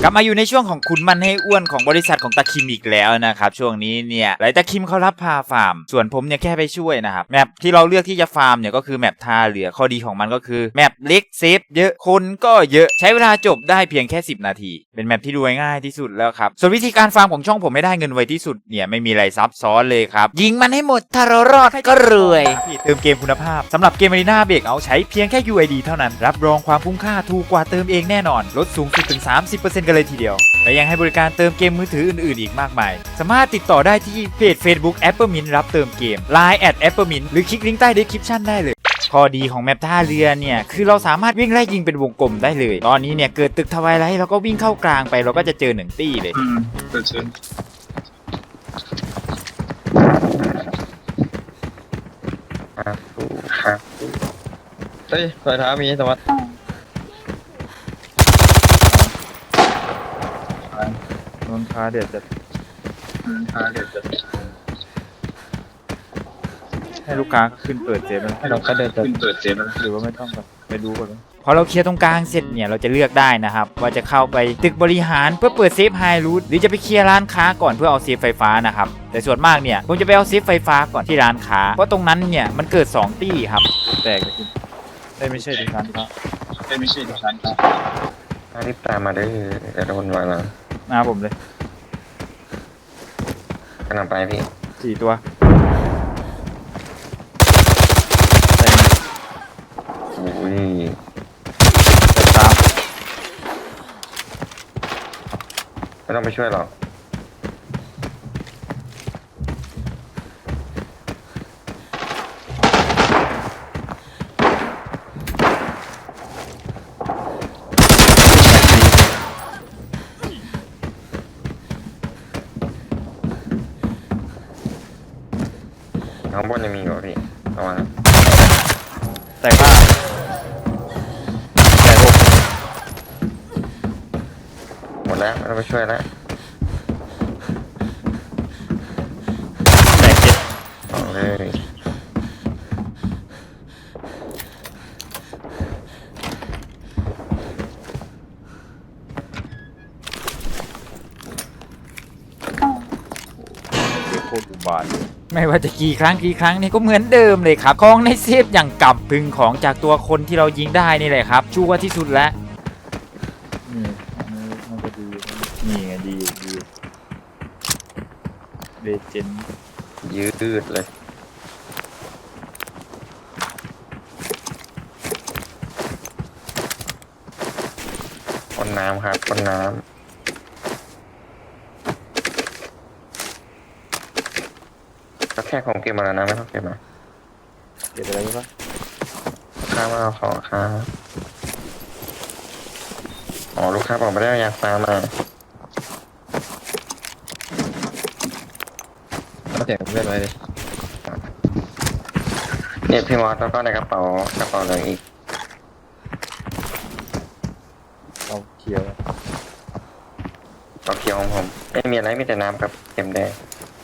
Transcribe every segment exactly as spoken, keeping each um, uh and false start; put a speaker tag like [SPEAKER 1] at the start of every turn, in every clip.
[SPEAKER 1] กลับมาอยู่ในช่วงของคุณมันให้อ้วนของบริษัทของตาคิมอีกแล้วนะครับช่วงนี้เนี่ยหลายตาคิมเขารับพาฟาร์มส่วนผมเนี่ยแค่ไปช่วยนะครับแมปที่เราเลือกที่จะฟาร์มเนี่ยก็คือแมปท่าเรือข้อดีของมันก็คือแมปเล็กเซฟเยอะคนก็เยอะใช้เวลาจบได้เพียงแค่สิบนาทีเป็นแมปที่ดูง่ายที่สุดแล้วครับส่วนวิธีการฟาร์มของช่องผมไม่ได้เงินไวที่สุดเนี่ยไม่มีอะไรซับซ้อนเลยครับยิงมันให้หมดถ้าเรารอดก็รวยเติมเกมคุณภาพสำหรับเกม Arena Breakout ใช้เพียงแค่ ยู ไอ ดี เท่านั้นรับรองความคุ้มค่าถูกกว่าเติมเองแน่นอนลดสูงสุดถึง สามสิบเปอร์เซ็นต์ กันเลยทีเดียวและยังให้บริการเติมเกมมือถืออื่นๆอีกมากมายสามารถติดต่อได้ที่เพจ Facebook Appermint รับเติมเกม ไลน์ แอท Appermint หรือคลิกลิงก์ใต้ description ได้เลยข้อดีของแมปท่าเรือเนี่ยคือเราสามารถวิ่งไล่ยิงเป็นวงกลมได้เลยตอนนี้เนี่ยเกิดตึกทวายไลท์เราก็วิ่งเข้ากลางไปเราก็จะเจอหนึ่งตี้เลย
[SPEAKER 2] อืมเกิดเชิญ
[SPEAKER 3] ครับครับ
[SPEAKER 2] เฮ้ยรอยเท้ามีสวัสดิ์
[SPEAKER 1] นนคาเด็ดจะ
[SPEAKER 2] อ่าเดี๋ยวจะ
[SPEAKER 1] ให้ลูกค้าขึ้นเปิดเซฟแล้ว
[SPEAKER 2] ให้เราก็เดินขึ้นเปิดเซฟแล้วนะ
[SPEAKER 1] หรือว่าไม่ต้องแบบไปดูก่อนพอเราเคลียร์ตรงกลางเสร็จเนี่ยเราจะเลือกได้นะครับว่าจะเข้าไปตึกบริหารเพื่อเปิดเซฟไฮรูทหรือจะไปเคลียร์ร้านค้าก่อนเพื่อเอาเซฟไฟฟ้านะครับแต่ส่วนมากเนี่ยผมจะไปเอาเซฟไฟฟ้าก่อนที่ร้านค้าเพราะตรงนั้นเนี่ยมันเกิดสองตี้ครับแตกเลยได้ไม่ใช่ที่ร้านค้า
[SPEAKER 2] ไม่ไม่ใช่ดิฉันครับ
[SPEAKER 3] ถ้ารีบตามมาได้จะโดนวางแล้ว
[SPEAKER 1] มาผมเลย
[SPEAKER 3] กำลังไปพี่
[SPEAKER 1] สี่ตัวแตก
[SPEAKER 3] อุ้ย
[SPEAKER 1] แตกสาม
[SPEAKER 3] ไม่ต้องไปช่วยหรอกข้างบนยังมีอยู่พี่ระวังนะ
[SPEAKER 1] แตกห้าแตกหก
[SPEAKER 3] หมดแล้วไม่ต้องไปช่วยแล้ว
[SPEAKER 1] แตกเจ็ด
[SPEAKER 3] เอาเลย
[SPEAKER 1] โคตรอุบาทไม่ว่าจะกี่ครั้งกี่ครั้งนี่ก็เหมือนเดิมเลยครับของในเซฟอย่างกับพึงของจากตัวคนที่เรายิงได้นี่แหละครับชัวร์ที่สุดแล้วนี่อันนี้มันก็ดีนี่ไงดีดีเลเจนด์
[SPEAKER 3] ยืดเลยพ่นน้ำครับพ่นน้ำก็แค่ของเกมมาแล้วนะไม่ต้องเก็บมา
[SPEAKER 1] เก็บอะไรไว้ปะ
[SPEAKER 3] ข้าวมาเอาของครับอ๋อลูกค้าบอกไม่ได้อยากฟาร์มมา
[SPEAKER 2] เอาเสียงเพื่อนไว้เลย
[SPEAKER 3] เนี่ยพี่มอสแล้วก็ในกระเป๋ากระเป๋าเหลืองอีก
[SPEAKER 1] เอาเขียว
[SPEAKER 3] กระเป๋าเขียวของผมไม่มีอะไรมีแต่น้ำกับเข็มแดง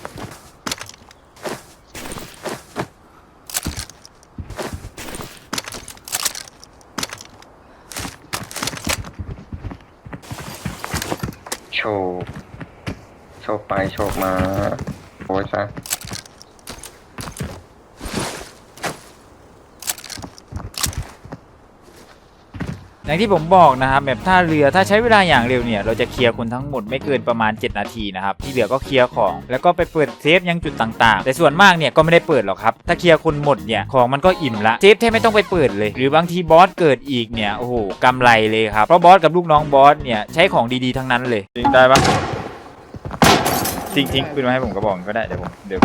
[SPEAKER 3] โชว์โชว์ไปโชว์มาโอ้ยซะ
[SPEAKER 1] อย่างที่ผมบอกนะครับแบบท่าเรือถ้าใช้เวลาอย่างเร็วเนี่ยเราจะเคลียร์คนทั้งหมดไม่เกินประมาณเจ็ดนาทีนะครับที่เหลือก็เคลียร์ของแล้วก็ไปเปิดเซฟยังจุดต่างๆแต่ส่วนมากเนี่ยก็ไม่ได้เปิดหรอกครับถ้าเคลียร์คนหมดเนี่ยของมันก็อิ่มละเซฟแทบไม่ต้องไปเปิดเลยหรือบางทีบอสเกิดอีกเนี่ยโอ้โหกำไรเลยครับเพราะบอสกับลูกน้องบอสเนี่ยใช้ของดีๆทั้งนั้นเลยทิ้งได้ปะทิ้งทิ้งปืนมาให้ผมกระบอกก็ได้เดี๋ยวผมเดี๋ยว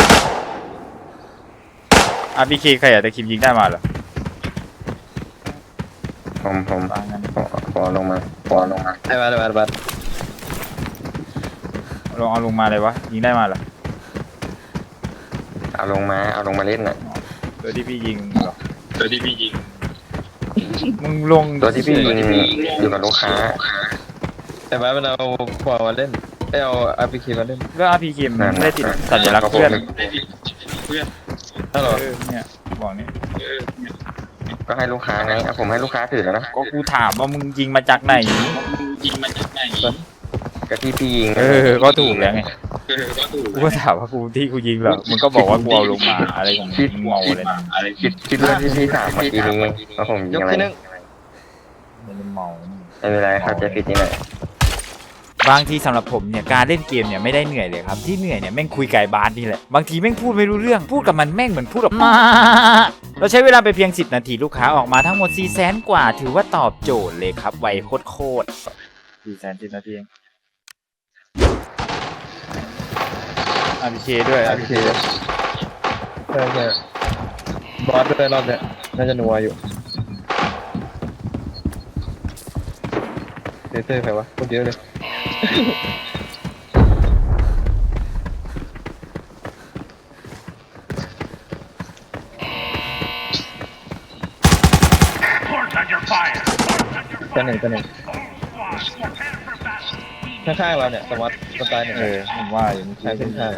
[SPEAKER 1] อาร์พีเคใครอยากจะคิมยิงได้มาเหรอ
[SPEAKER 3] ผมผม
[SPEAKER 1] วางงั้น
[SPEAKER 3] ขอขอลงมาขอลงมา
[SPEAKER 2] ไอ้บัตรไอ้บัตรบัตร
[SPEAKER 1] ลองเอาลงมาเลยวะยิงได้มาเหรอ
[SPEAKER 3] เอาลงมาเอาลงมาเล่นน่ะ
[SPEAKER 1] ตัวที่พี่ยิงเหรอ
[SPEAKER 2] ตัวที่พี่ยิง
[SPEAKER 1] มึงลง
[SPEAKER 3] ตัวที่พี่ยิงอยู่กับลูกค้า
[SPEAKER 2] ไอ้บัตรมันเอาขวามาเล่นไอ้เอาอาร์พีเคมาเล่น
[SPEAKER 1] ก็ อาร์ พี เค มันไม่ได้ติดสัญลักษณ์เพื่อน
[SPEAKER 2] เพื่อนฮัลโหล
[SPEAKER 1] เออเนี่ยบอกนี่
[SPEAKER 3] ก็ให้ลูกค้าไงเอาผมให้ลูกค้าถือแล้วนะ
[SPEAKER 1] ก็กูถามว่ามึงยิงมาจากไหน
[SPEAKER 2] ยิงมันจากไหน
[SPEAKER 3] กะที่พี่ยิง
[SPEAKER 1] เออก็ถูกแล้วไงกูก็ถามว่ากูที่กูยิงเหรอมึงก็บอกว่ากูเอาลงมาอะไรของมึงมึงเมาเลยนะ
[SPEAKER 3] คิดคิดว่าที่พี่ถามเมื่อกี้นี้ว่าผมยิ
[SPEAKER 2] ย
[SPEAKER 3] ง
[SPEAKER 2] ก
[SPEAKER 3] อะไร
[SPEAKER 2] ที่หนึ่ง
[SPEAKER 1] มันเมา
[SPEAKER 3] ไม่เป็นไรครับจะผิดที่ไหน
[SPEAKER 1] บางทีสำหรับผมเนี่ยการเล่นเกมเนี่ยไม่ได้เหนื่อยเลยครับที่เหนื่อยเนี่ยแม่งคุยไก่บาสนี่แหละบางทีแม่งพูดไม่รู้เรื่องพูดกับมันแม่งเหมือนพูดกับมาเราใช้เวลาไปเพียงสิบนาทีลูกค้าออกมาทั้งหมดสี่แสนกว่าถือว่าตอบโจทย์เลยครับไวโคตรๆสี่แสนสิบนาทีเองอาร์พีเคด้วย
[SPEAKER 2] โอเคใช่ใช่บอสด้วยรอบเนี้ยน่าจะนัวอยู่เต้เต้ใครวะคนเยอะเลยตัวหนึ่งตัวหนึ่งข้างๆเราเนี่ยสมัติคนตายเนี่ย
[SPEAKER 1] เออผมว่าอย่างนี้
[SPEAKER 2] ใช่เส้นทาง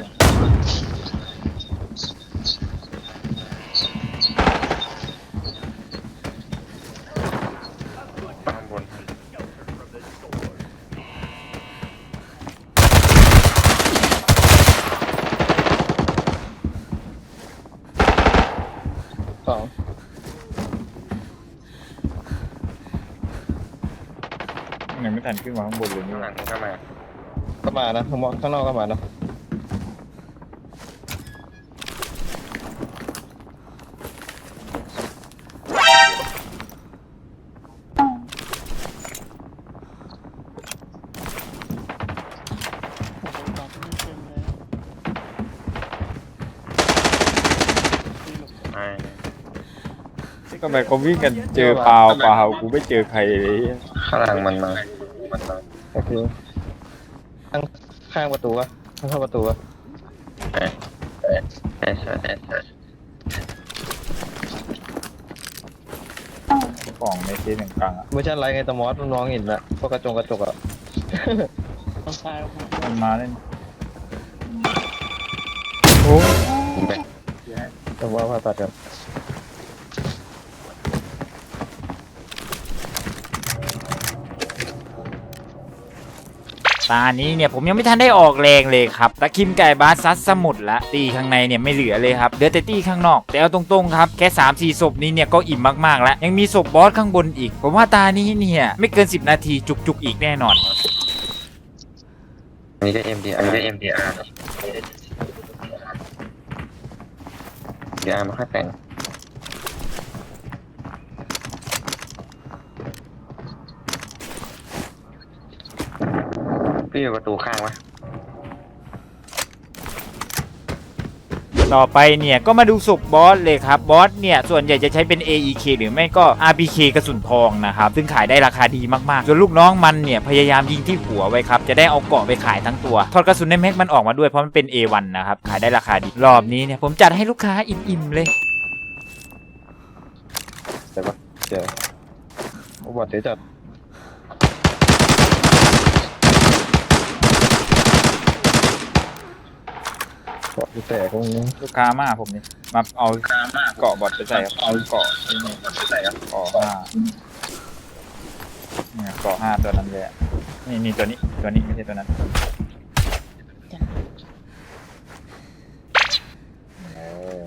[SPEAKER 3] ตามบน
[SPEAKER 2] สอง
[SPEAKER 1] ยังไม่ทันขึ้นมาข้างบนเลยนี่
[SPEAKER 3] ข้างหลังก็มา
[SPEAKER 2] ก็มานะข้างนอกข้างนอกก็มานะ
[SPEAKER 3] ไอ้
[SPEAKER 1] ก็ไปเขาวิ่งกันเจอเปล่าเปล่ากูไม่เจอใครเลย
[SPEAKER 3] ข้างหลังมันมามันมา
[SPEAKER 2] โอเคข้างข้างประตูวะข้างเข้าประตูวะ
[SPEAKER 3] ใช่ใช่ใช่ใช่ใช่
[SPEAKER 1] ของในเซนหนึ่งกลางอ่ะ
[SPEAKER 2] เวอร์ชันไรไงตะมอสน้องเห็นละพวกกระจงกระจกอะ
[SPEAKER 1] มันมาเล่นโอ้
[SPEAKER 3] ยิงไป
[SPEAKER 2] แต่ว่าผ่าตัดกัน
[SPEAKER 1] ตานี้เนี่ยผมยังไม่ทันได้ออกแรงเลยครับตะคิมไก่บาสซัดสมุดละตีข้างในเนี่ยไม่เหลือเลยครับเหลือแต่ตีข้างนอกแต่เอาตรงๆครับแค่ สามสี่ ศพนี้เนี่ยก็อิ่มมากๆแล้วยังมีศพบอสข้างบนอีกผมว่าตานี้เนี่ยไม่เกินสิบนาทีจุกๆอีกแน่นอน
[SPEAKER 3] อันนี้ก็ เอ็ม ดี อาร์ อันนี้ก็ เอ็ม ดี อาร์ เดี๋ยวอาร์มาค่อยแต่งพี่อยู่ประตูข้างวะ
[SPEAKER 1] ต่อไปเนี่ยก็มาดูศพบอสเลยครับบอสเนี่ยส่วนใหญ่จะใช้เป็น เอ อี เค หรือไม่ก็ อาร์ พี เค กระสุนทองนะครับซึ่งขายได้ราคาดีมากๆส่วนลูกน้องมันเนี่ยพยายามยิงที่หัวไว้ครับจะได้เอาเกราะไปขายทั้งตัวถอดกระสุนในแม็กมันออกมาด้วยเพราะมันเป็น เอ วัน นะครับขายได้ราคาดีรอบนี้เนี่ยผมจัดให้ลูกค้าอิ่มๆเลย
[SPEAKER 2] แต่ปะเจอโอ้บอดเดี๋ยวจัดเกาะที่แตกตรงนี้
[SPEAKER 1] ลูกค้ามาผมนี่มาเอาเกาะบอดไปใส่ครับเอาเกาะนี่บอดไปใส่ครับเกาะห้าเนี่ยเกาะห้าตัวนั้นเลยอะนี่นี่ตัวนี้ตัวนี้ไม่ใช่ตัวนั้นเออ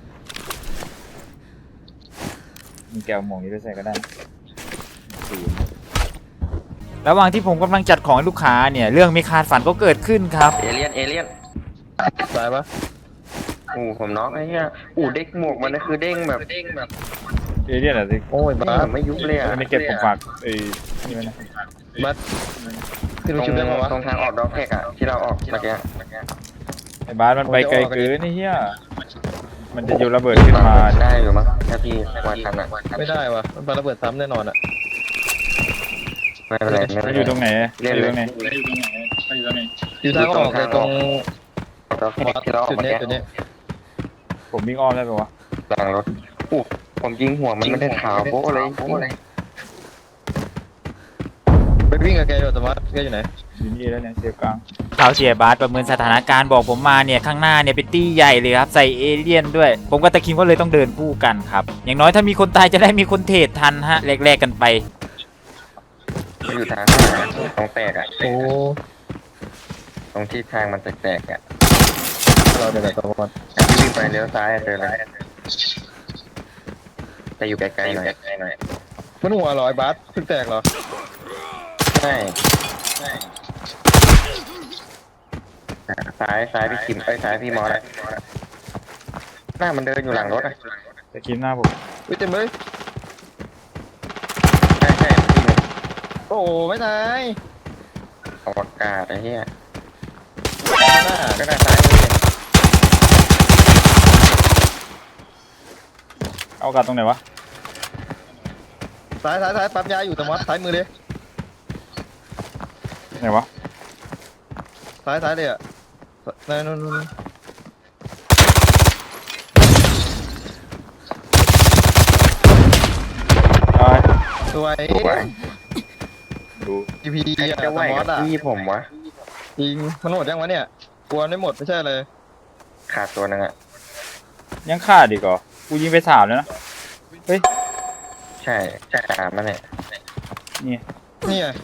[SPEAKER 1] มีแก้วหมวกนี้ไปใส่ก็ได้ศูนย์ระหว่างที่ผมกำลังจัดของให้ลูกค้าเนี่ยเรื่องไม่คาดฝันก็เกิดขึ้นครับ
[SPEAKER 3] เอเลี่ยน เอเลี่ยน
[SPEAKER 2] ตายปะ
[SPEAKER 3] อู้ผมน็อกไอ้เหี้ยอู้เด้งหมวกมันนะคือเด้งแบบเด้งแบบ
[SPEAKER 1] เอเลี่ยนอะสิ
[SPEAKER 2] โอ้ย
[SPEAKER 3] เด้ง
[SPEAKER 2] บ้า
[SPEAKER 3] แบบไม่ยุบเลยอ่ะ
[SPEAKER 1] ไม่เก็บผมฝากเอ้ยนี่ไว้นะ
[SPEAKER 2] บัสที่
[SPEAKER 3] ต
[SPEAKER 2] รู้
[SPEAKER 3] รง
[SPEAKER 2] ชื่อได้ปะวะ
[SPEAKER 3] ตรงทางออกด็อกแท็กอ่ะที่เราออกเมื่อกี้
[SPEAKER 1] ไอ้บาสมันไปไกลเกินนี่เฮียมันจะโยนระเบิดขึ้นมา
[SPEAKER 3] ได้อยู่มั้งถ้าพี่วาดทันอ่ะ
[SPEAKER 2] ไม่ได้วะมันปาระเบิดซ้ำแน่นอนอะ
[SPEAKER 3] ไม่เป็นไรไม่
[SPEAKER 1] มั
[SPEAKER 3] เป็น น
[SPEAKER 1] อ
[SPEAKER 3] ไร
[SPEAKER 1] ยู่ตรงไหน
[SPEAKER 3] เล่
[SPEAKER 1] อน ยู่
[SPEAKER 3] เล
[SPEAKER 1] ต
[SPEAKER 3] ย
[SPEAKER 1] รงไหน
[SPEAKER 2] อยู่ทางออกเลยตรง
[SPEAKER 3] ด็อก
[SPEAKER 2] บอ
[SPEAKER 3] แท็ก
[SPEAKER 2] ส
[SPEAKER 3] ที่เราออก
[SPEAKER 2] จุด
[SPEAKER 3] เมื่อ
[SPEAKER 2] เนี้ย
[SPEAKER 3] กี้
[SPEAKER 2] จุดเนี้ย
[SPEAKER 1] ผมวิ่งอ้อมได้ปะวะ
[SPEAKER 3] หลังรถอู้ผมยิงหัวมันไม่ได้ขาวโบ๊ะเลยโบ๊ะเลย
[SPEAKER 2] ไปวิ่งกับแกอยู่แต่ว่าแกอยู่ไหน
[SPEAKER 1] อยู่นี่แล้วเนี่ยเซฟกลางข่าวเสียบาสประเมินสถานการณ์บอกผมมาเนี่ยข้างหน้าเนี่ยเป็นตี้ใหญ่เลยครับใส่เอเลี่ยนด้วย ผมกับตะคิมก็เลยต้องเดินคู่กันครับอย่างน้อยถ้ามีคนตายจะได้มีคนเทรดทันฮะแลกๆกันไป
[SPEAKER 3] มันอยู่ทางข้างหลังตรงแตกอ่ะ
[SPEAKER 2] โอ้
[SPEAKER 3] ตรงที่ทางมันแตกๆอ่ะ
[SPEAKER 2] เราเดี๋ยวตะมอด
[SPEAKER 3] ที่วิ่งไปเลี้ยวซ้ายเจอแล้วแต่อยู่ไกลๆหน่อยหน่อย
[SPEAKER 2] มันหัวลอยบัสเพิ่งแตกเหรอ
[SPEAKER 3] ใช่ซ้ายซ้ายพี่คิมเอ้ยซ้ายพี่มอสอะหน้ามันเดินอยู่หลังรถอ่ะ
[SPEAKER 1] ตะคิมหน้าผม
[SPEAKER 2] อุ้ยเต็มเลย
[SPEAKER 3] ใช่ใช่พี่หนึ่ง
[SPEAKER 2] โอ้ไม่ตาย
[SPEAKER 3] อวกาศไอ้เหี้ย
[SPEAKER 2] หน้า
[SPEAKER 3] ก็ได้ซ้ายมือ
[SPEAKER 1] เอากาศตรงไหนวะ
[SPEAKER 2] ซ้ายซ้ายซ้ายปั๊มยาอยู่ตะมอดซ้ายมือเลย
[SPEAKER 1] ไหนวะ
[SPEAKER 2] ซ้ายซ้ายเลยอ่ะนั่นนู่นนู่น
[SPEAKER 1] เอา
[SPEAKER 2] สวย
[SPEAKER 3] ไหว
[SPEAKER 1] ดู
[SPEAKER 2] อีพี
[SPEAKER 3] ใคร
[SPEAKER 2] อ่ะ
[SPEAKER 3] จะไหว
[SPEAKER 2] ตะมอ
[SPEAKER 3] กั
[SPEAKER 2] ด
[SPEAKER 3] บ
[SPEAKER 2] อ่ะ
[SPEAKER 3] พี่ผมวะ
[SPEAKER 2] จริงมันหมดยังวะเนี่ยกลัวไม่หมดไม่ใช่เลย
[SPEAKER 3] ขาดตัวนึงอ่ะ
[SPEAKER 1] ยังขาดอีกเหรอกูยิงไปสามแล้วนะเฮ้ย
[SPEAKER 3] ใช่ใช่ตามมันเนี่ย
[SPEAKER 1] นี่
[SPEAKER 2] นี่ไง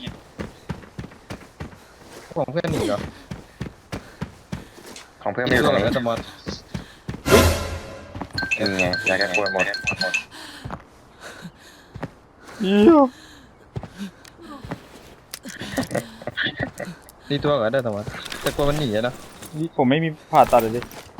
[SPEAKER 2] ผมเพื่อนหนีเหรอ
[SPEAKER 3] ของเพื่อน
[SPEAKER 2] ไม่
[SPEAKER 3] ไม่อยู่ต
[SPEAKER 2] รู้
[SPEAKER 3] รง
[SPEAKER 2] หรอก
[SPEAKER 3] นี้
[SPEAKER 2] นะตะมอด
[SPEAKER 3] นี่ไงยาแก้ปวดหมด
[SPEAKER 1] เยี่ยม
[SPEAKER 2] ดีตัวเหรอได้ตะมอดแต่กลัวมันหนีอะเนอะ
[SPEAKER 1] นี่ผมไม่มีผ่าตัดเลยดิ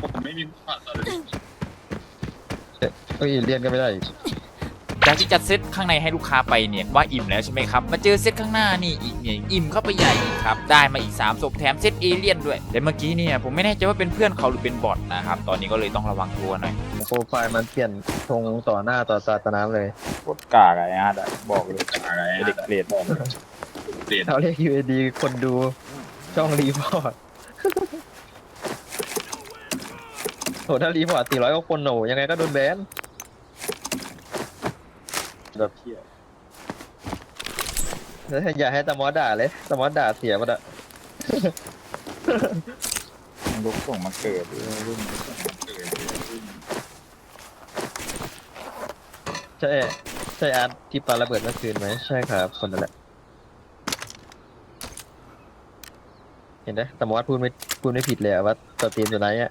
[SPEAKER 2] เอ้ยเรียนกันไม่ได้อีก
[SPEAKER 1] จากที่จัดเซตข้างในให้ลูกค้าไปเนี่ยว่าอิ่มแล้วใช่ไหมครับมาเจอเซตข้างหน้านี่อีกเนี่ยอิ่มเข้าไปใหญ่อีกครับได้มาอีกสามศพแถมเซตเอเลี่ยนด้วยแต่เมื่อกี้เนี่ยผมไม่แน่ใจว่าเป็นเพื่อนเขาหรือเป็นบอทนะครับตอนนี้ก็เลยต้องระวังตัวหน่อย
[SPEAKER 2] โปรไฟล์มันเปลี่ยนธงต่อหน้าต่อตาตาน้ำเลย
[SPEAKER 1] โคตรกากไอ้อาร์ตอะบอกเลยกากไอ้เด็กเกรดบอกเลย
[SPEAKER 2] เขาเรียก ยู เอ ดี คนดูช่องรีพอร์ตโหถ้ารีพอร์ตสี่ร้อยกว่าคนโหนยังไงก็โดนแบน
[SPEAKER 1] แบบเที่ย
[SPEAKER 2] แล้วอย่าให้ตะมอสด่าเลยตะมอสด่าเสียหมดอะ
[SPEAKER 1] มันลุกส่งมาเกิดรุ่นส่งมาเกิด
[SPEAKER 2] ใช่ใช่อาร์ตที่ปาระเบิดเมื่อคืนไหมใช่ครับคนนั่นแหละเห็นไหมตะมอสพูดไม่พูดไม่ผิดเลยอะว่าตัวทีมตัวไหนอะ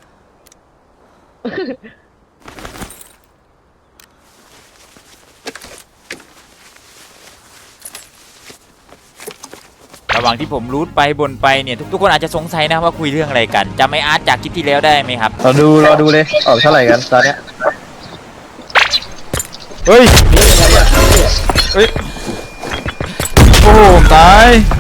[SPEAKER 1] ระหว่างที่ผมรูทไปบนไปเนี่ยทุกๆคนอาจจะสงสัยนะว่าคุยเรื่องอะไรกันจำไออาร์ตจากคลิปที่แล้วได้ไหมครับ
[SPEAKER 2] เราดูเราดูเลยออกเท่าไหร่กันตอนเนี้ย
[SPEAKER 1] เฮ้ยเฮ้ยโอ้โหตาย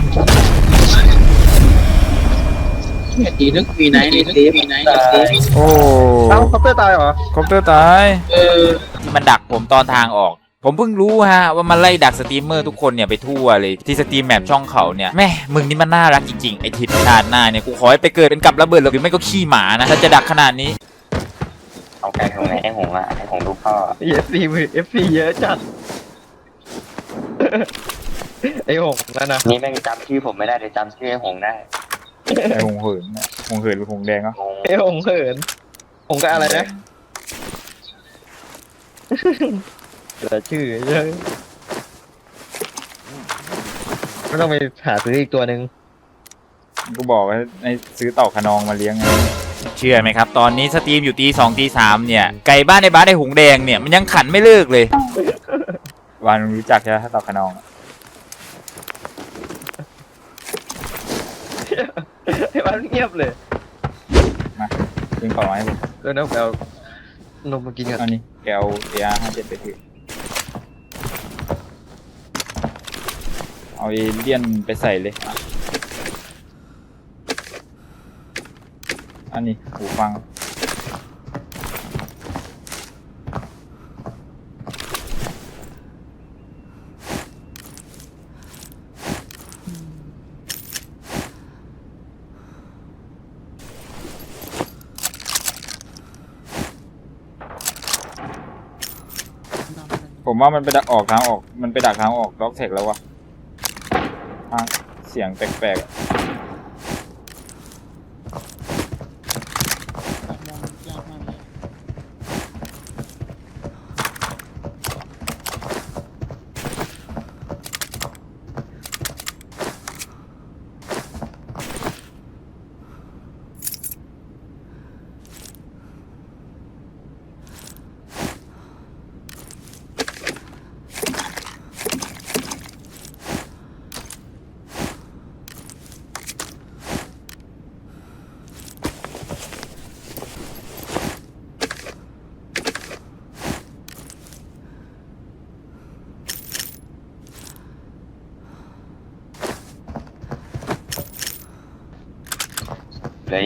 [SPEAKER 4] ตีนึกมีไหนในเซฟมีไหนในเซฟ
[SPEAKER 1] โอ้
[SPEAKER 2] เอ้าคอปเตอร์ตายเหรอ
[SPEAKER 1] คอปเตอร์ตาย
[SPEAKER 4] เออ
[SPEAKER 1] ที่มันดักผมตอนทางออก ผมเพิ่งรู้ฮะว่ามันไล่ดักสตรีมเมอร์ทุกคนเนี่ยไปทั่วเลยที่สตรีมแมปช่องเขาเนี่ยแม่มึงนี่มันน่ารักจริงๆไอทิศชาติหน้าเนี่ยกูขอให้ไปเกิดเป็นกับระเบิดหรือไม่ก็ขี้หมานะถ้าจะดักขนาดนี้
[SPEAKER 3] เอาไก่ของไหนให้หงอ่ะให้หงดูพ่อ
[SPEAKER 2] เอฟซีเอฟซีเยอะจัด ไอ้หงนั่นนะ
[SPEAKER 3] นี่แม่งจำชื่อผมไม่ได้แต่จำชื่อไอ้หงได้
[SPEAKER 1] ไอหงเหินนะหงเหินหรือหงแดงอ่ะ
[SPEAKER 3] หง
[SPEAKER 2] ไอ้หงเหินหงก็อะไรนะเหลือชื่อเยอะไม่ต้องไปหาซื้ออีกตัวหนึ่ง
[SPEAKER 1] กูบอกว่าในซื้อเต่าขนองมาเลี้ยงไงเชื่อไหมครับตอนนี้สตรีมอยู่ตีสองตีสามเนี่ยไก่บ้านในบ้านในหงแดงเนี่ยมันยังขันไม่เลิกเลย วันรู้จักใช่ไหมเต่าขนอง
[SPEAKER 2] ไอ้วันเงียบเลย
[SPEAKER 1] มายิงของมาให้ผม
[SPEAKER 2] เออน้องแปลนมมากินกัน
[SPEAKER 1] เอานี่แกเอาเออาร์ห้าเจ็ดไปถือเอาเอเลี่ยนไปใส่เลยอ่ะอันนี้หูฟังผมว่ามันไปดักออกทางออกมันไปดักทางออกล็อกเทคแล้ววะทางเสียงแปลกๆอะ
[SPEAKER 4] ยากมากเลย
[SPEAKER 1] เ
[SPEAKER 3] ได้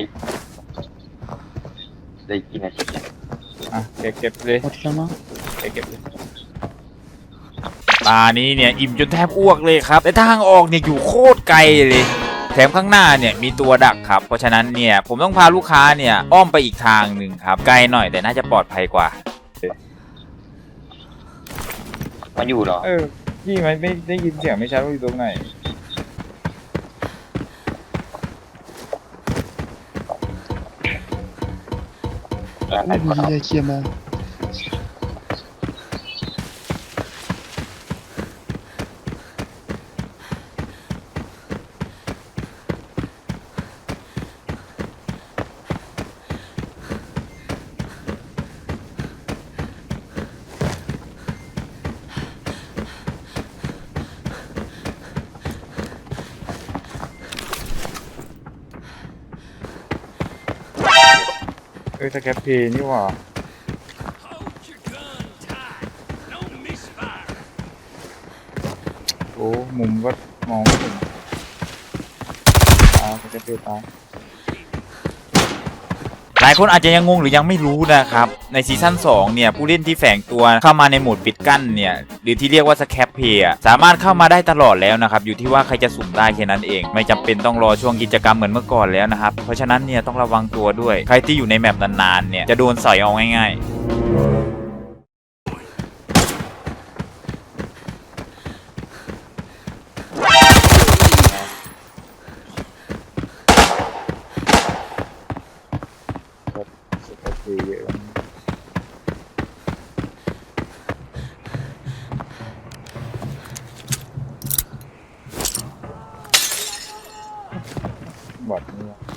[SPEAKER 3] ได้กี่นาทีเนี่ย
[SPEAKER 2] อ่ะเก็บเก็บเลย
[SPEAKER 4] หมดแล้วมั้ง
[SPEAKER 2] เก็บเก็บเลย
[SPEAKER 1] ตานี้เนี่ยอิ่มจนแทบอ้วกเลยครับแต่ทางออกเนี่ยอยู่โคตรไกลเลยแถมข้างหน้าเนี่ยมีตัวดักครับเพราะฉะนั้นเนี่ยผมต้องพาลูกค้าเนี่ยอ้อมไปอีกทางหนึ่งครับไกลหน่อยแต่น่าจะปลอดภัยกว่า
[SPEAKER 3] มาอยู่เหรอ
[SPEAKER 2] เออพี่ไม่ไม่ได้ยินเสียงไม่ชัดว่าอยู่ตรงไหน
[SPEAKER 3] ร้านไหนก่อนครับ
[SPEAKER 4] เคลียร์มา
[SPEAKER 2] เออสแคปเพย์นี่หว่าโอ้มุมก็มองไม่เห็นตาสแคปเพย์ตา
[SPEAKER 1] หลายคนอาจจะยังงงหรือยังไม่รู้นะครับในซีซั่นสองเนี่ยผู้เล่นที่แฝงตัวเข้ามาในโหมดปิดกั้นเนี่ยหรือที่เรียกว่าสแคปเพย์สามารถเข้ามาได้ตลอดแล้วนะครับอยู่ที่ว่าใครจะสุ่มได้แค่นั้นเองไม่จำเป็นต้องรอช่วงกิจกรรมเหมือนเมื่อก่อนแล้วนะครับเพราะฉะนั้นเนี่ยต้องระวังตัวด้วยใครที่อยู่ในแมปนานๆเนี่ยจะโดนใส่เอาง่ายๆ
[SPEAKER 2] สแคปเพย์เยอะบอดนี่วะ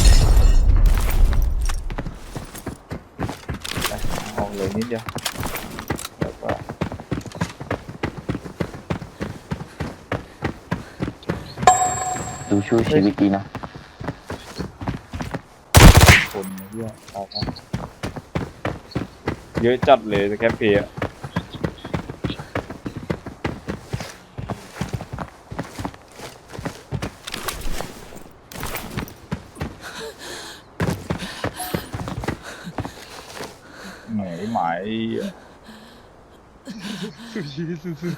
[SPEAKER 2] ไปเอาเลยนิดเดียวแล้วก็
[SPEAKER 3] ดูชูชีวิตดีนะ
[SPEAKER 2] คนเยอะเอาครับเยอะจัดเลยสแคปเพย์อะไหนหมายสุชีสุสุ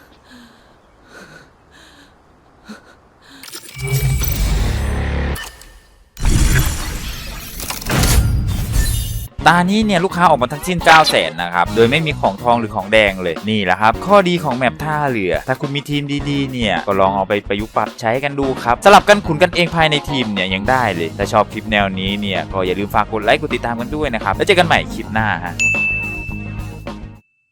[SPEAKER 1] ตานี้เนี่ยลูกค้าออกมาทั้งสิ้น เก้าแสน นะครับโดยไม่มีของทองหรือของแดงเลยนี่แหละครับข้อดีของแมปท่าเรือถ้าคุณมีทีมดีๆเนี่ยก็ลองเอาไปประยุกต์ปรับใช้กันดูครับสลับกันขุนกันเองภายในทีมเนี่ยยังได้เลยถ้าชอบคลิปแนวนี้เนี่ยก็อย่าลืมฝากกดไลค์กดติดตามกันด้วยนะครับแล้วเจอกันใหม่คลิปหน้าฮะ